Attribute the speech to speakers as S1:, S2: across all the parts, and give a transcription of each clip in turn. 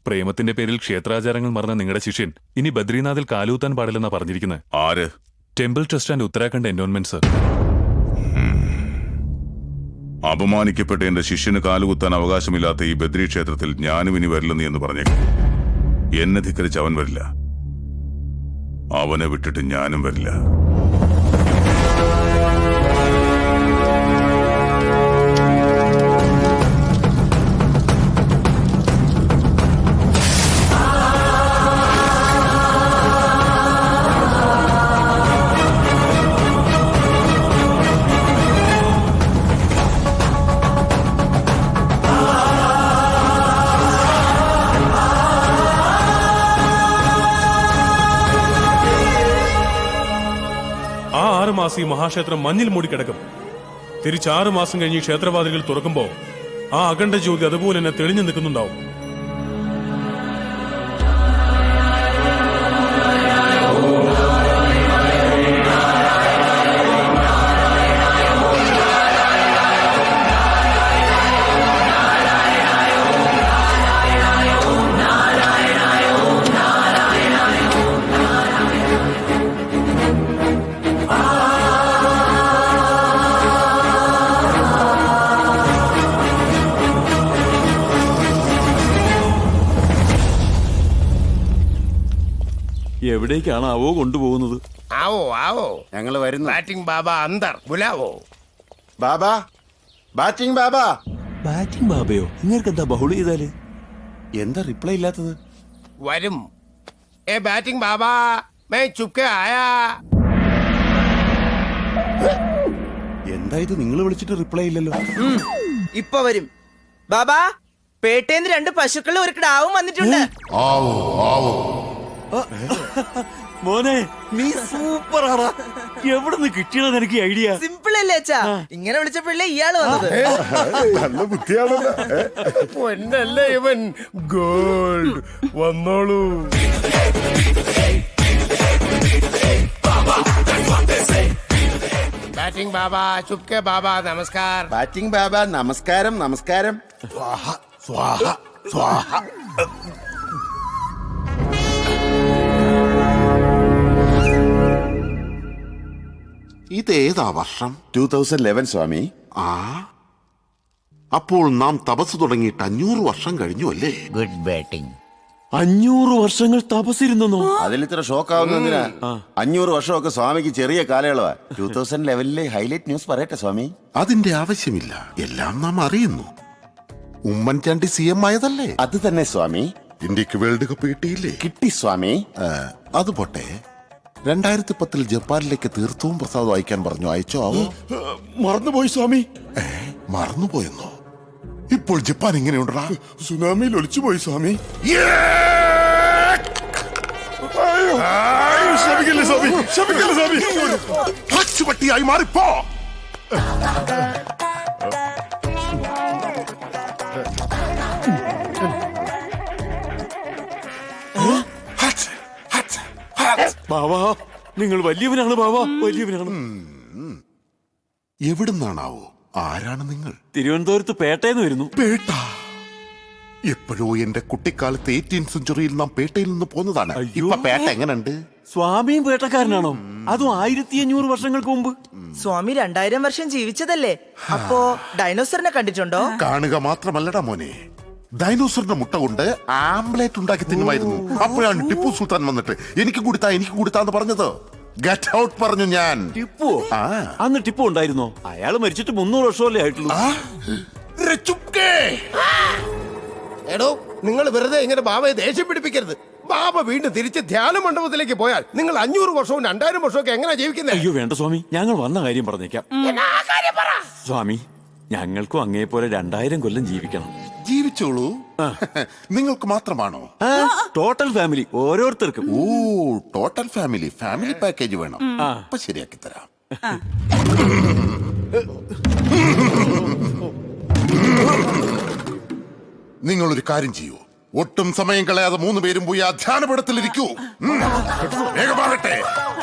S1: പ്രേമത്തിന്റെ പേരിൽ ക്ഷേത്രാചാരങ്ങൾ മറന്ന നിങ്ങളുടെ ശിഷ്യൻ ഇനി ബദ്രീനാഥിൽ കാലൂത്താൻ പാടില്ലെന്നാ പറഞ്ഞിരിക്കുന്നത്.
S2: ആര്?
S1: Temple trust and Uttarakhand endowment sir.
S2: അപമാനിക്കപ്പെട്ട എന്റെ ശിഷ്യന് കാലുകുത്താൻ അവകാശമില്ലാത്ത ഈ ബദ്രി ക്ഷേത്രത്തിൽ ഞാനും ഇനി വരില്ലെന്ന് എന്ന് പറഞ്ഞേക്കും. എന്നെ ധിക്കരിച്ച് അവൻ വരില്ല, അവനെ വിട്ടിട്ട് ഞാനും വരില്ല.
S3: ആ 6 മാസം ഈ മഹാക്ഷേത്രം മഞ്ഞിൽ മൂടിക്കിടക്കും. തിരിച്ച് 6 മാസം കഴിഞ്ഞ് ക്ഷേത്രവാതിലുകൾ തുറക്കുമ്പോ ആ അഖണ്ഡ ജ്യോതി അതുപോലെ തന്നെ തെളിഞ്ഞു നിൽക്കുന്നുണ്ടാവും.
S4: എവിടേക്കാണാവോ കൊണ്ടുപോകുന്നത്?
S5: ആവോ ആവോ,
S6: ഞങ്ങൾ വരുന്നു.
S5: ബാറ്റിംഗ് ബാബ അന്തർ ബുലാവോ.
S6: ബാബാ, ബാറ്റിംഗ് ബാബാ.
S4: ബാറ്റിംഗ് ബാബയോ? നിങ്ങൾക്ക് എന്താ ബഹുള ചെയ്താല്?
S6: എന്താ റിപ്ലൈ ഇല്ലാത്തത്?
S5: വരും. ഏ ബാറ്റിംഗ് ബാബ, മേ ചുപ്കെ ആയാ.
S6: എന്താ ഇത്, നിങ്ങൾ വിളിച്ചിട്ട് റിപ്ലൈ ഇല്ലല്ലോ?
S7: ഇപ്പൊ വരും. ബാബാ, പേട്ടേന്ന് 2 പശുക്കളും ഒരു കിടാവും വന്നിട്ടുണ്ട്.
S4: മോനെ, നീ സൂപ്പർ ആടാ. എവിടെ നിന്ന് കിട്ടിയതാ നിനക്ക് ഐഡിയ?
S7: സിമ്പിൾ അല്ലേ അച്ഛാ? ഇങ്ങനെ വിളിച്ചപ്പോഴല്ലേ ഇയാള് വന്നത്.
S6: നല്ല ബുദ്ധിയാണല്ലോ.
S5: പൊന്നല്ലേ ഇവൻ. ഗോൾഡ് വന്നോളൂ. ബാറ്റിംഗ് ബാബ, ചുപ്കെ ബാബ, നമസ്കാർ.
S6: ബാറ്റിംഗ് ബാബാ, നമസ്കാരം. നമസ്കാരം. സ്വാഹ സ്വാഹ സ്വാഹ.
S8: ഇതേതാ വർഷം?
S6: 2011 സ്വാമി.
S8: ആ, അപ്പോൾ നാം തപസ് തുടങ്ങിയിട്ട് 500 വർഷം കഴിഞ്ഞു അല്ലേ?
S5: Good batting.
S4: 500 വർഷങ്ങൾ തപസ്സിരുന്നോ?
S6: അതിൽ ഇത്ര ഷോക്ക് ആവുന്നതിനാ? 500 വർഷമൊക്കെ സ്വാമിക്ക് ചെറിയ കാലയളവാ. 2011 ഹൈലൈറ്റ് ന്യൂസ് പറയട്ടെ സ്വാമി.
S8: അതിന്റെ ആവശ്യമില്ല, എല്ലാം നാം അറിയുന്നു. ഉമ്മൻചാണ്ടി CM ആയതല്ലേ?
S6: അത് തന്നെ സ്വാമി.
S8: ഇന്ത്യക്ക് വേൾഡ് കപ്പ് കിട്ടിയില്ലേ?
S6: കിട്ടി സ്വാമി.
S8: അത് പോട്ടെ, 2010 ജപ്പാനിലേക്ക് തീർത്ഥവും പ്രസാദം അയക്കാൻ പറഞ്ഞു. അയച്ചോ? ആവോ?
S6: മറന്നുപോയി സ്വാമി.
S8: മറന്നുപോയെന്നോ? ഇപ്പോൾ ജപ്പാൻ എങ്ങനെയുണ്ടാ?
S6: സുനാമിയിൽ ഒലിച്ചുപോയി സ്വാമി.
S8: പട്ടിയായി മാറിപ്പോ.
S4: ബാബാ, നിങ്ങൾ വലിയവനാണ് ബാബാ, വലിയവനാണ്.
S8: എവിടുന്നാണാവോ? ആരാണ് നിങ്ങൾ?
S4: തിരുവനന്തപുരത്ത് പേട്ടയെന്ന് വരുന്നു.
S8: പേട്ട? എപ്പോഴോ എന്റെ കുട്ടിക്കാലത്ത് 18th സെഞ്ചുറിയിൽ നാം പേട്ടയിൽ നിന്ന് പോന്നതാണ്.
S4: അയ്യോ.
S8: ഇപ്പൊ പേട്ട എങ്ങനെയുണ്ട്?
S4: സ്വാമിയും പേട്ടക്കാരനാണോ? അതും 1500 വർഷങ്ങൾക്ക് മുമ്പ്.
S7: സ്വാമി 2000 വർഷം ജീവിച്ചതല്ലേ? അപ്പോ ഡൈനോസറിനെ കണ്ടിട്ടുണ്ടോ?
S8: കാണുക മാത്രമല്ലടാ മോനെ, ഡൈനോസറിന്റെ മുട്ട കൊണ്ട് ആംബ്ലേറ്റ് ഉണ്ടാക്കി തിന്നുമായിരുന്നു. അപ്പോഴാണ് ടിപ്പു സുൽത്താൻ വന്നിട്ട് എനിക്ക് കൊടുത്താന്ന് പറഞ്ഞത്. ഗെറ്റ് ഔട്ട് പറഞ്ഞു ഞാൻ.
S4: ടിപ്പു? അന്ന് ടിപ്പു ഉണ്ടായിരുന്നോ? അയാൾ മരിച്ചിട്ട് 300 വർഷമല്ലേ ആയിട്ടുള്ളൂ.
S5: എടോ, നിങ്ങൾ വെറുതെ ഇങ്ങനെ ബാബയെ ദേഷ്യം പിടിപ്പിക്കരുത്. ബാബ വീണ്ടും തിരിച്ച് ധ്യാന മണ്ഡപത്തിലേക്ക് പോയാൽ നിങ്ങൾ 500 വർഷവും 2000 വർഷവും ഒക്കെ എങ്ങനെ ജീവിക്കുന്നത്?
S4: അയ്യോ വേണ്ട സ്വാമി, ഞങ്ങൾ വന്ന കാര്യം പറഞ്ഞേക്കാം. സ്വാമി, ഞങ്ങൾക്കും അങ്ങേ പോലെ 2000 കൊല്ലം ജീവിക്കണം.
S8: ജീവിച്ചോളൂ. നിങ്ങൾക്ക് മാത്രമാണോ?
S4: ടോട്ടൽ ഫാമിലി, ഓരോരുത്തർക്കും.
S8: ഓ, ടോട്ടൽ ഫാമിലി പാക്കേജ് വേണം. അപ്പൊ ശരിയാക്കി തരാം. നിങ്ങളൊരു കാര്യം ചെയ്യൂ, ഒട്ടും സമയം കളയാതെ 3 പേരും പോയി ആ ധ്യാനപീഠത്തിലിരിക്കൂ. വേഗമാകട്ടെ.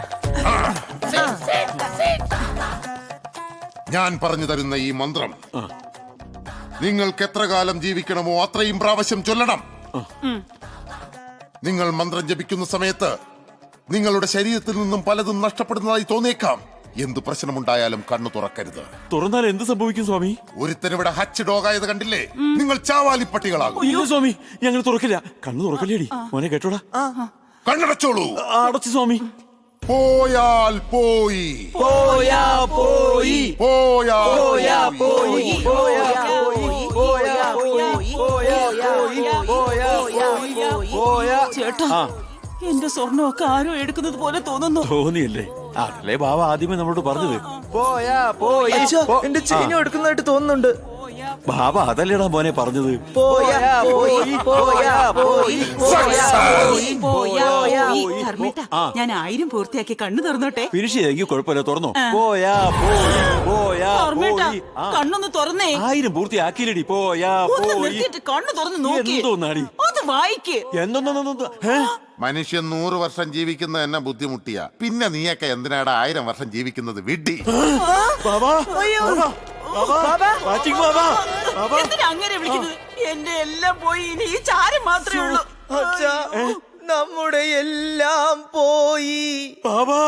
S8: ഞാൻ പറഞ്ഞു തരുന്ന ഈ മന്ത്രം നിങ്ങൾക്ക് എത്ര കാലം ജീവിക്കണമോ അത്രയും പ്രാവശ്യം ചൊല്ലണം. നിങ്ങൾ മന്ത്രം ജപിക്കുന്ന സമയത്ത് നിങ്ങളുടെ ശരീരത്തിൽ നിന്നും പലതും നഷ്ടപ്പെടുന്നതായി തോന്നിയേക്കാം. എന്ത് പ്രശ്നമുണ്ടായാലും കണ്ണു തുറക്കരുത്.
S4: തുറന്നാൽ എന്ത് സംഭവിക്കും സ്വാമി?
S8: ഒരുത്തനിവിടെ ഹച്ച് ഡോഗായത് കണ്ടില്ലേ? നിങ്ങൾ ചാവാലിപ്പട്ടികളാകും.
S4: ഇല്ല സ്വാമി, ഞങ്ങൾ തുറക്കില്ല. കണ്ണു തുറക്കല്ലേടി മോനെ, കേട്ടോടാ.
S8: കണ്ണടച്ചോളൂ.
S4: അടച്ചു സ്വാമി.
S8: പോയാൽ പോയി,
S7: പോയാ പോയി,
S8: പോയാൽ
S7: പോയാ
S8: പോയി.
S7: പോയി, പോയാ പോയി, പോയാ പോയി, പോയാ പോയി, പോയാ.
S9: ചേട്ടാ, എന്റെ സ്വർണ്ണമൊക്കെ ആരോ എടുക്കുന്നത് പോലെ തോന്നുന്നു.
S4: തോന്നിയല്ലേ? അതല്ലേ ബാബ ആദ്യമേ നമ്മളോട് പറഞ്ഞത്.
S7: പോയാ പോയി. എന്റെ ചെയിനും എടുക്കുന്നതായിട്ട് തോന്നുന്നുണ്ട്.
S4: ബാബ അതല്ലേടാ മോനെ പറഞ്ഞത്.
S7: പോയാ പോയി, പോയാ പോയി, പോയാ പോയി, പോയാ പോയി.
S9: ധർമ്മേട്ടാ, ഞാൻ 1000 പൂർത്തിയാക്കി കണ്ണു തുറന്നോട്ടെ.
S4: ഫിനിഷ് ചെയ്തെങ്കിൽ കുഴപ്പമില്ല, തുറന്നോ. പോയാ പോയി, പോയാ
S9: ധർമ്മേട്ടാ,
S4: പോയി.
S9: കണ്ണൊന്ന് തുറന്നേ.
S4: 1000 പൂർത്തിയാക്കിയില്ലടി. പോയാ
S9: ഒന്ന്
S4: പോയി.
S9: നിർത്തിയിട്ട് കണ്ണു തുറന്ന് നോക്കി.
S4: എന്തോന്നാടി?
S9: അത് വായിക്ക്.
S4: എന്തോന്നോ?
S8: മനുഷ്യൻ 100 വർഷം ജീവിക്കുന്നത് എന്നെ ബുദ്ധിമുട്ടിയ, പിന്നെ നീയൊക്കെ എന്തിനാടാ 1000 വർഷം ജീവിക്കുന്നത്? വിഡ്ഢി.
S4: ബാബാ,
S7: അയ്യോ.
S4: ബാബാ, വാച്ചിങ് ബാബാ.
S9: എന്തിനാ അങ്ങനെ വിളിക്കുന്നത്? എന്റെ എല്ലാം പോയി, ഇനി ഈ ചാരം മാത്രമേ ഉള്ളൂ.
S7: അച്ഛാ, നമ്മുടെ എല്ലാം പോയി.
S4: ബാബാ,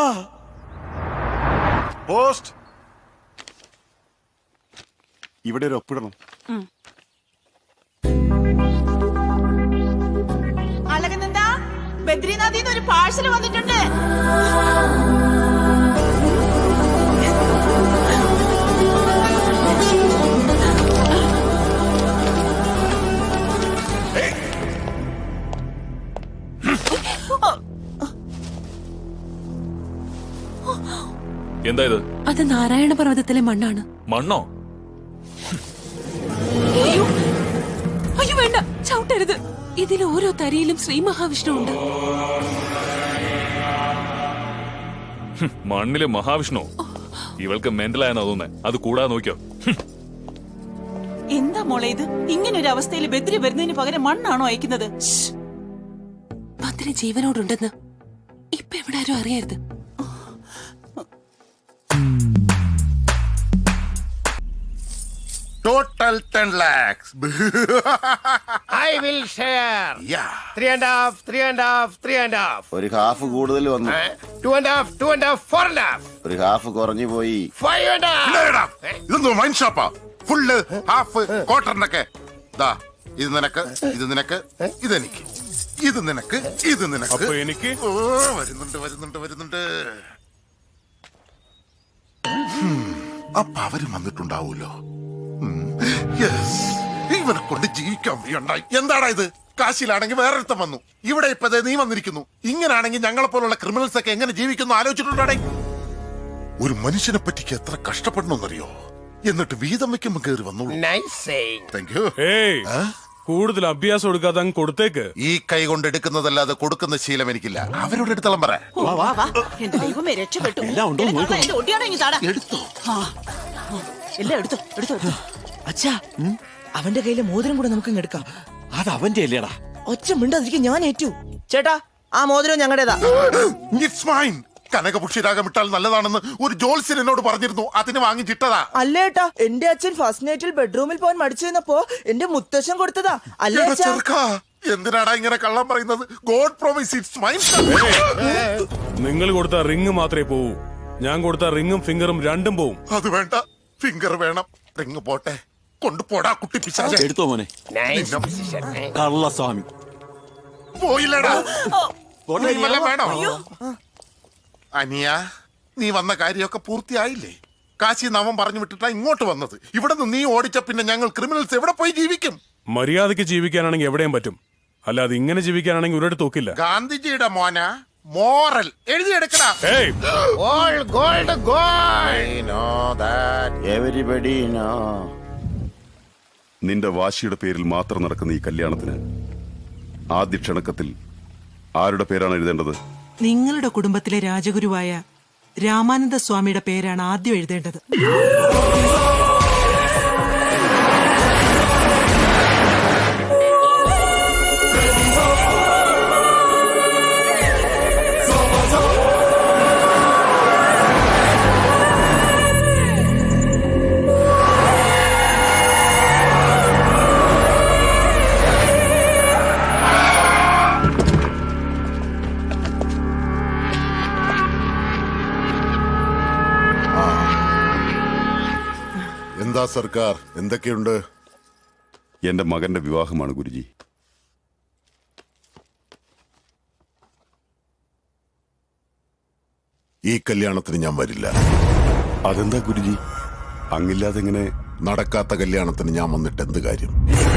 S8: പോസ്റ്റ് ഇവിടെ ഒരു ഒപ്പിടണം.
S9: അളകനന്ദാ, ബദ്രീനാഥിന്ന് ഒരു പാഴ്സൽ വന്നിട്ടുണ്ട്.
S1: എന്താ ഇത്?
S9: അത് നാരായണ പർവ്വതത്തിലെ മണ്ണാണ്.
S1: മണ്ണോ?
S9: അയ്യോ, അയ്യോ വേണ്ട, ചവിട്ടരുത്. ഇതിൽ ഓരോ തരിയിലും ശ്രീ മഹാവിഷ്ണു ഉണ്ട്.
S1: മണ്ണിലെ മഹാവിഷ്ണു? ഇവൾക്ക് മെന്റലായെന്നാ തോന്നുന്നേ. അത് കൂടാതെ നോക്കിയോ.
S9: എന്താ മോളെ ഇത്? ഇങ്ങനെ ഒരു അവസ്ഥയിൽ ബദ്രി വരുന്നതിന് പകരം മണ്ണാണോ അയക്കുന്നത്? ബദ്രി ജീവനോടുണ്ടെന്ന് ഇപ്പൊ എവിടെ ആരും അറിയരുത്.
S8: Total 10 lakhs.
S5: I will share.
S8: Yeah.
S5: 3.5, 3.5, 3.5.
S6: ഒരു ഹാഫ് കൂടുതൽ വന്നു.
S5: 2.5, 2.5, 4.5.
S6: ഒരു ഹാഫ് കുറഞ്ഞു പോയി.
S5: 5.5.
S8: ഇല്ലടാ, ഇതൊന്നും വൈൻ ഷോപ്പാ. ഫുള്ള്, ഹാഫ്, ക്വാർട്ടറിനൊക്കെ. ദാ, ഇത് നിനക്ക്, ഇത് നിനക്ക്, ഇതെനിക്ക്, ഇത് നിനക്ക്, ഇത് നിനക്ക്.
S3: അപ്പൊ എനിക്ക്?
S8: ഓ, വരുന്നുണ്ട്. അപ്പൊ അവരും വന്നിട്ടുണ്ടാവൂലോ. യെസ്, ഇവനെ കൊണ്ട് ജീവിക്കാൻ വയ്യണ്ടായി. എന്താടാ ഇത്? കാശിയിലാണെങ്കിൽ വേറൊരുത്തം വന്നു, ഇവിടെ ഇപ്പൊ നീ വന്നിരിക്കുന്നു. ഇങ്ങനാണെങ്കിൽ ഞങ്ങളെ പോലുള്ള ക്രിമിനൽസ് ഒക്കെ എങ്ങനെ ജീവിക്കുന്നു ആലോചിച്ചിട്ടുണ്ടാടേ? ഒരു മനുഷ്യനെ പറ്റിക്ക് എത്ര കഷ്ടപ്പെടണമെന്നറിയോ? എന്നിട്ട് വീതം വെക്കുമ്പോ കയറി വന്നോളൂ.
S5: Nice saying.
S8: Thank you.
S3: ഏയ്, കൂടുതൽ അഭ്യാസം എടുക്കാതെ അങ്ങ് കൊടുത്തേക്ക്.
S8: ഈ കൈ കൊണ്ട് എടുക്കുന്നതല്ലാതെ കൊടുക്കുന്ന ശീലം എനിക്കില്ല. അവരോട് എടുത്തോളം പറ.
S9: എന്റെ ദൈവമേ, രക്ഷപ്പെട്ടു.
S4: എല്ലാം ഉണ്ടോ എന്ന് നോക്കണം.
S9: എന്റെ ഒടിയാണോ ഇങ്ങ് താടാ.
S8: എടുത്തോ.
S9: എല്ലാം എടുത്തോ.
S7: അച്ഛാ, അവന്റെ കയ്യിലെ മോതിരം കൂടെ നമുക്ക് ഇങ്ങ് എടുക്കാം.
S4: അത് അവന്റെ അല്ലേടാ.
S7: ഒച്ച മിണ്ടാതിരിക്കും, ഞാൻ ഏറ്റു. ചേട്ടാ, ആ മോതിരം ഞങ്ങളുടേതാ.
S8: It's mine. കനകപുഷിരാഗം ഇട്ടാൽ നല്ലതാണെന്ന് ഒരു ജോത്സ്യൻ എന്നോട് പറഞ്ഞിരുന്നു. അതിന് വാങ്ങിച്ചിട്ടതാ.
S7: അല്ലേട്ടാ, എന്റെ അച്ഛൻ ഫസ്റ്റ് നൈറ്റിൽ ബെഡ്റൂമിൽ പോകാൻ മടിച്ചു നിന്നപ്പോ എന്റെ മുത്തശ്ശൻ കൊടുത്തതാ. അല്ലേ
S8: എടാ
S7: അച്ഛാ?
S8: ചെറുക്കാ, എന്തിനാടാ ഇങ്ങനെ കള്ളം പറയുന്നത്? God promise it's mine.
S3: നിങ്ങൾ കൊടുത്ത റിങ് മാത്രമേ പോവൂ. ഞാൻ കൊടുത്ത റിങ്ങും ഫിംഗറും രണ്ടും പോവും.
S8: അത് വേണ്ട, ഫിംഗർ വേണം. റിങ് പോട്ടെ, കൊണ്ടുപോടാ കുട്ടി പിശാചേ.
S4: എടുത്തോ മോനെ.
S5: Nice decision.
S4: കള്ളസ്വാമി.
S8: പോയില്ലടാ.
S4: പോട്ടെ,
S8: നീ വല്ലതും വേണോ? അനിയ, നീ വന്ന കാര്യമൊക്കെ പൂർത്തിയായില്ലേ? കാശി നാമം പറഞ്ഞു വിട്ടിട്ടാ ഇങ്ങോട്ട് വന്നത്. ഇവിടെ നിന്ന് നീ ഓടിച്ച പിന്നെ ഞങ്ങൾ ക്രിമിനൽസ് എവിടെ പോയി ജീവിക്കും?
S3: മര്യാദയ്ക്ക് ജീവിക്കാനാണെങ്കിൽ എവിടെയും പറ്റും, അല്ലാതെ ഇങ്ങനെ ജീവിക്കാനാണെങ്കിൽ ഒരിടത്ത് നോക്കില്ല.
S8: ഗാന്ധിജിയുടെ മോന മോറൽ എഴുതിയെടുക്കടാ.
S3: ഏയ്,
S5: All gold, gold.
S6: I know that everybody know.
S2: നിന്റെ വാശിയുടെ പേരിൽ മാത്രം നടക്കുന്ന ഈ കല്യാണത്തിന് ആദ്യ ക്ഷണക്കത്തിൽ ആരുടെ പേരാണ് എഴുതേണ്ടത്?
S10: നിങ്ങളുടെ കുടുംബത്തിലെ രാജഗുരുവായ രാമാനന്ദ സ്വാമിയുടെ പേരാണ് ആദ്യം എഴുതേണ്ടത്.
S8: എന്താ സർക്കാർ, എന്തൊക്കെയുണ്ട്?
S11: എന്റെ മകന്റെ വിവാഹമാണ് ഗുരുജി.
S8: ഈ കല്യാണത്തിന് ഞാൻ വരില്ല.
S11: അതെന്താ ഗുരുജി? അങ്ങില്ലാതെ എങ്ങനെ?
S8: നടക്കാത്ത കല്യാണത്തിന് ഞാൻ വന്നിട്ട് എന്ത് കാര്യം?